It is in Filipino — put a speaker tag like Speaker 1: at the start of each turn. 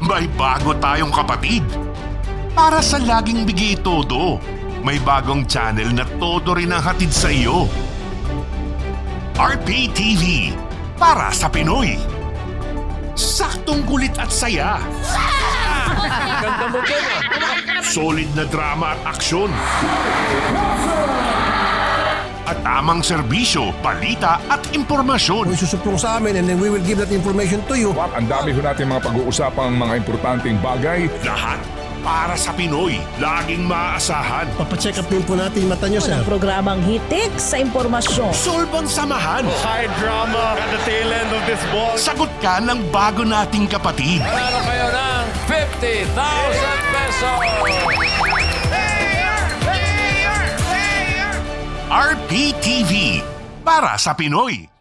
Speaker 1: May bago tayong kapatid. Para sa laging bigay todo, may bagong channel na todo rin ang hatid sa iyo. RPTV, para sa Pinoy. Saktong kulit at saya.
Speaker 2: Ganda mo dyan
Speaker 1: Solid na drama at aksyon. At tamang serbisyo, balita at impormasyon.
Speaker 3: Isusuplong sa amin and then we will give that information to you.
Speaker 4: Ang dami ho natin mga pag-uusapang mga importanteng bagay.
Speaker 1: Lahat para sa Pinoy. Laging maaasahan.
Speaker 3: Papacheck up din po natin yung mata nyo, sir.
Speaker 5: Programang hitik sa impormasyon.
Speaker 1: Solbang samahan.
Speaker 2: High drama at the tail end of this ball.
Speaker 1: Sagot ka ng bago nating kapatid.
Speaker 2: Panalo kayo ng 50,000 pesos!
Speaker 1: RPTV, para sa Pinoy.